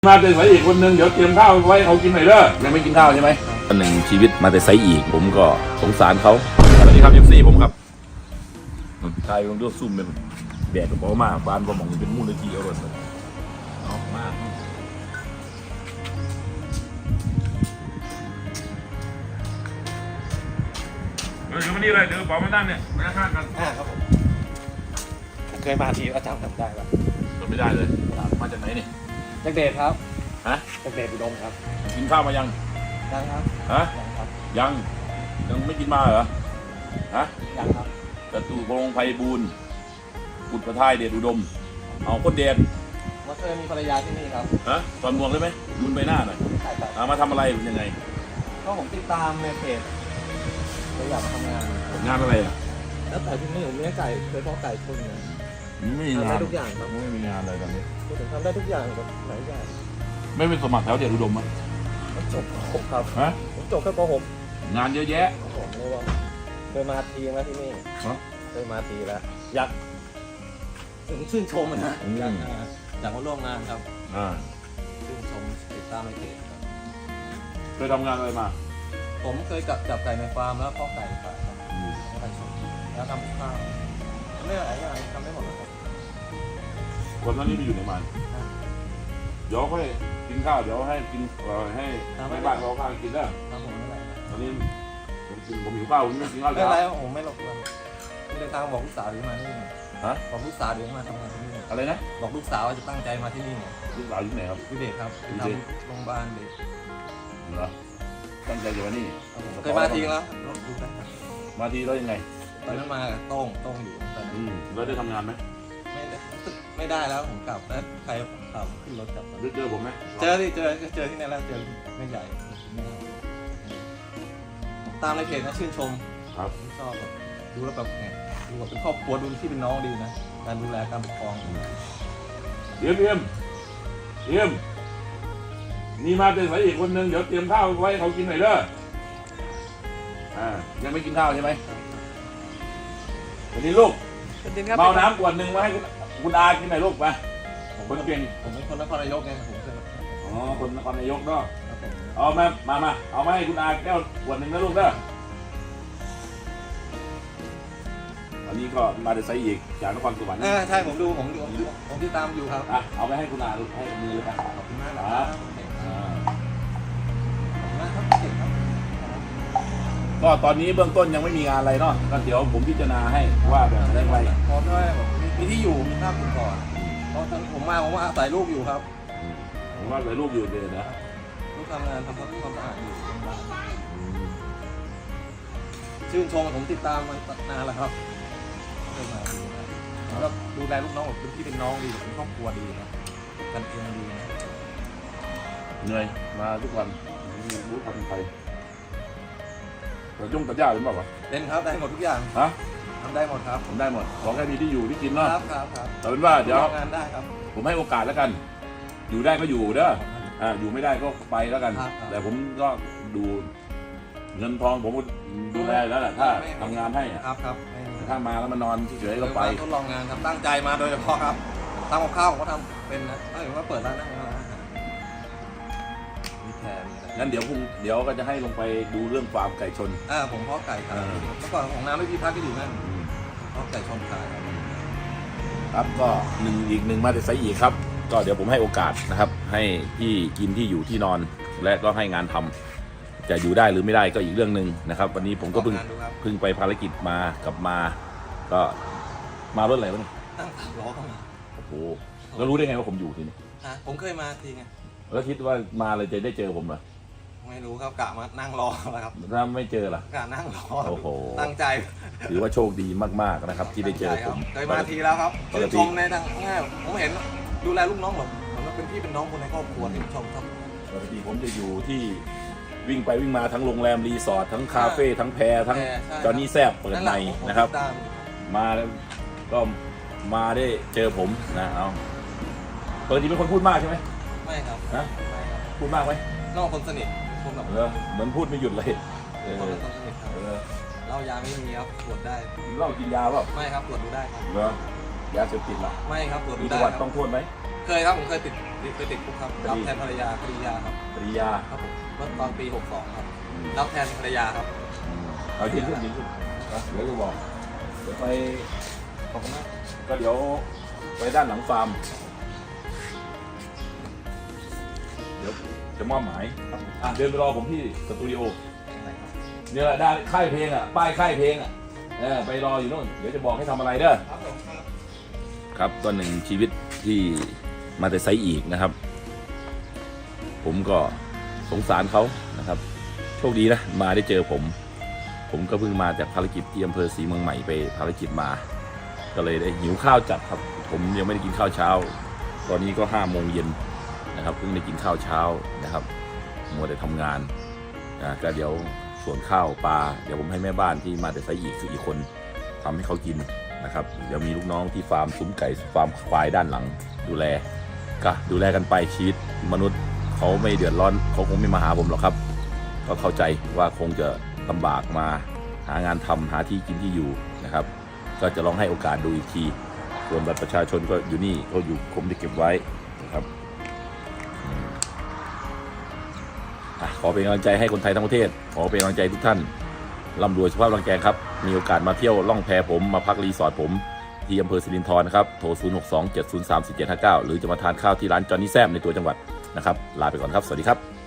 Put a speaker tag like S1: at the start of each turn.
S1: มาแต่ไซอีกคนนึงเดี๋ยวเตรียมข้าวไว้เขากินหน่อยเด้อยังไม่กินข้าวใช่ไหมคนหนึ่งชีวิตมาแต่ไซอีกผมก็สงสารเขาสวัสดีครับFCผมครับชายลงด้วยซุ่มเป็นแดดกับเบามากบ้านผมมองเป็นมูลนิธิเอารถเลยเอามากเดี๋ยวมานี่เลยเดี๋ยวบอกมานั่งเนี่ยมาข้างกัน
S2: ครับผมเคยมาทีก็จำได้ป่ะ
S1: จำไม่ได้เลยมาจากไหนนี่
S2: จากเดชครับ
S1: ฮะ
S2: จากเดชอุดมครับ
S1: กินข้าวมายัง
S2: ครับ
S1: ฮะยังไม่กินมาเหรอฮะ
S2: ยังครับ
S1: จตุรงค์ไพบูลย์กุฎประทายเดชอุดมเอาคนเดช
S2: ว่าเคยมีภรรยาที่นี่ครับ
S1: ฮะตอนมวงได้ไหมรุนใบหน้าหน่อยมาทำอะไรเป็นยังไง
S2: ก็ผมติดตามในเพจเลยอยากมาทำงาน
S1: อะไรอ่ะ
S2: แล้วแต่ที่นี่ผมเลี้ยงไก่เคยเพาะไก่ชนเนี่ย
S1: ไม่มีงาน
S2: ได้ทุกอย่างครับ
S1: ไม่มีงานอะไรตอนนี้
S2: ผมทำได้ทุกอย่างแบบหลายอย่าง
S1: ไม่เป็นสมัครแถวเดชอุดมมั้ย
S2: จบผมครับ
S1: ฮะ
S2: ผมจบแค่ป
S1: .6 งานเยอะแยะ
S2: ผมเลยว่าเคยมาทีแล้วที่นี่เคยมาทีแล้วอยากถึงชื่นชมนะอยากมาร่วมงานครับชื่นชมติดตามในเพจครับ
S1: เคยทำงานอะไรมา
S2: ผมเคยจับไก่ในฟาร์มแล้วเพาะไก่ครับไก่ชนแล้วทำข้าวไม่หลายอย่างทำได้หมดเลยครับ
S1: คนนั้นนี่ไปอยู่ในมันเดี๋ยวค่อยกินข้าวเดี๋ยวให้กินให้บ้านเราข้าวกินได้ตอนนี้ผมหิวข้าวผมไม่กินข้าว
S2: แล้วไม่ไรผมไม่หลบเลยเดินทางบอกลูกสาวเดี๋ยวมาที่นี่บอกลูกสาวเดี๋ยวมาทำงานที่นี่
S1: อะไรนะ
S2: บอกลูกสาวจะตั้งใจมาที่นี่
S1: ลูกสาวอยู่ไหนครับ
S2: ที่เด็กครับทำโรงพยาบาลเด็ก
S1: เหรอตั้งใจจะมานี่
S2: เคยมาทีแล้ว
S1: มาทีแล้วยังไง
S2: ตอนนั้นมาโต้งอยู่ตอนนั้น
S1: แล้วได้ทำงานไหม
S2: ไม่ได้แล้วผมกลับแล้วใครขับขึ้นรถกลับ
S1: เจอผมไหม
S2: เจอที่ไหนแล้วเจอไม่ใหญ่ตามในเพจนะชื่นชม
S1: ครับ
S2: ชอบดูแล้วแบบไงดูแบบเป็นครอบครัวดูที่เป็นน้องดีนะการดูแลการปกครอง
S1: เยี่ยมนี่มาแต่ไซอีกคนนึงเดี๋ยวเตรียมข้าวไว้เขากินหน่อยเด้อยังไม่กินข้าวใช่ไหมวันนี้ลูกเมาน้ำขวดหนึ่งมาให้คุณอากินหน่อยลูกไปคนเก่ง
S2: ผมเป็นคนนครนายกไงผมเคย
S1: คนนครนายกเนาะเอามาเอามาให้คุณอาแก้วขวดหนึ่งนะลูกเด้ออันนี้ก็มาแต่ไซอีกจากนครสวรรค์
S2: ใช่ผมติดตามอยู่ครับ
S1: เอาไปให้คุณอาลูกให้มือเลยครับ
S2: ขอบคุณมากครับ
S1: ก็ตอนนี้เบื้องต้นยังไม่มีงานอะไรเนาะก็เดี๋ยวผมพิจารณาให้ว่าแบบได้ไร
S2: พอได้แบบมีที่อยู่มีภาพก่อนเพราะผมว่าอาศัยลูกอยู่ครับ
S1: ผมว่าอาศัยลูกอยู่เลยนะ
S2: ลูกทำงานทำความสะอาดอยู่ชื่นชมผมติดตามมานานแล้วครับแล้วดูแลลูกน้องแบบเป็นพี่เป็นน้องดีเป็นครอบครัวดีนะกันเองดีนะ
S1: เหนื่อยมาทุกวันรู้ทำไปแต่ยุ่งตัดหญ้าหรือเปล่าวะ
S2: เล่นครับได้หมดทุกอย่างทำได้หมดครับ
S1: ผมได้หมดขอแค่มีที่อยู่ที่กินเนาะ
S2: ครับ
S1: แต่เป็นว่าเดี๋ยว
S2: งานได้ครับ
S1: ผมให้โอกาสแล้วกันอยู่ได้ก็อยู่เด้ออยู่ไม่ได้ก็ไปแล้วกันแต่ผมก็ดูเงินทองผมดูแลแล้วแหละถ้าทำงานให้
S2: ครับ
S1: ถ้ามาแล้วมานอนเฉยๆก็ไป
S2: ทดลองงานครับตั้งใจมาโดยเฉพาะครับทำกับข้าวผมก็ทำเป็นนะถ้าเกิดว่าเปิดร้านนั่งมีแพน
S1: งั้นเดี๋ยวก็จะให้ลงไปดูเรื่องฟาร์มไก่ชน
S2: ผมเพาะไก่ครับเมื่อก่อนของน้ำไม่มีพักที่ดีนั่นเพาะไก่ชนขาย
S1: ครับก็อีกหนึ่งมาแต่ไซอีกครับก็เดี๋ยวผมให้โอกาสนะครับให้ที่กินที่อยู่ที่นอนและก็ให้งานทำจะอยู่ได้หรือไม่ได้ก็อีกเรื่องหนึ่งนะครับวันนี้ผมก็เพิ่งไปภารกิจมากลับมาก็มารถอะไรวะเนี่ย
S2: ตั้งล้อเข้ามา
S1: โอ้โหแล้วรู้ได้ไงว่าผมอยู่ที่นี่
S2: ผมเคยมาทีไง
S1: แล้วคิดว่ามาเลยจะได้เจอผมเหรอ
S2: ไม่รู้ครับกะมานั่งรอแล้วครับ
S1: ถ้าไม่เจอล่ะ
S2: กะนั่งรอ
S1: โอ้โห
S2: ตั้งใจ
S1: ถือว่าโชคดีมากๆนะครับที่ได้เจอผม
S2: เคยมาทีแล้วครับชื่นชมในทางง่ายผมเห็นดูแลลูกน้องแบบผมเป็นพี่เป็นน้องคนในครอบครัวที่ชมครับ
S1: ปกติผมจะอยู่ที่วิ่งไปวิ่งมาทั้งโรงแรมรีสอร์ททั้งคาเฟ่ทั้งแพรทั้งจอนี่แซบเปิดในนะครับมาก็มาได้เจอผมนะเอาปกติเป็นคนพูดมากใช่ไหม
S2: ไม่ครับ
S1: นะพูดมากไหม
S2: นอกคนสนิทคนแบบ
S1: เหมือนพูดไม่หยุดเลย
S2: คนสนิทครับเหล้ายาไม่มีครับตรวจได้
S1: เหล้ากินยาเปล่า
S2: ไม่ครับตรวจดูได้ครับ
S1: ยาเสพติดหรอ
S2: ไม่ครับตรวจดูได้
S1: มีประวัติต้องโทษไหม
S2: เคยครับผมเคยติดคุกครับรับแทนภรรยาคดียาครับ
S1: ปริยา
S2: ครับผมเมื่อตอนปี 62 ครับรับแทนภรรยาครับ
S1: เอาที่ขึ้นยิงขึ้นเดี๋ยวจะบอกเดี๋ยวไป
S2: ขอบคุณมาก
S1: ก็เดี๋ยวไปด้านหลังฟาร์มเดี๋ยวจะมอบหมายเดินไปรอผมที่สตูดิโอเนี่ยแหละด้านค่ายเพลงอ่ะป้ายค่ายเพลงอ่ะไปรออยู่นู่นเดี๋ยวจะบอกให้ทำอะไรเด้อครับก็หนึ่งชีวิตที่มาแต่ไซอีกนะครับ ผมก็สงสารเขานะครับโชคดีนะมาได้เจอผมก็เพิ่งมาจากภารกิจที่อำเภอศรีเมืองใหม่ไปภารกิจมาก็เลยได้หิวข้าวจัดครับผมยังไม่ได้กินข้าวเช้าตอนนี้ก็5 โมงเย็นนะครับเพิ่งได้กินข้าวเช้านะครับมัวแต่ทำงานก็เดี๋ยวส่วนข้าวปลาเดี๋ยวผมให้แม่บ้านที่มาแต่ไซอีกคืออีกคนทำให้เขากินนะครับเดี๋ยวมีลูกน้องที่ฟาร์มซุ้มไก่ฟาร์มควายด้านหลังดูแลกันไปชีวิตมนุษย์เขาไม่เดือดร้อนเขาคงไม่มาหาผมหรอกครับก็เข้าใจว่าคงจะลำบากมาหางานทำหาที่กินที่อยู่นะครับก็จะลองให้โอกาสดูอีกทีส่วนบัตรประชาชนก็อยู่นี่เขาอยู่ผมได้เก็บไว้นะครับขอเป็นกำลังใจให้คนไทยทั้งประเทศขอเป็นกำลังใจทุกท่านร่ำรวยสุขภาพร่างกายครับมีโอกาสมาเที่ยวล่องแพผมมาพักรีสอร์ทผมที่อำเภอสิรินธรนะครับโทร 062-703-4759 หรือจะมาทานข้าวที่ร้านจอห์นนี่แซมในตัวจังหวัดนะครับลาไปก่อนครับสวัสดีครับ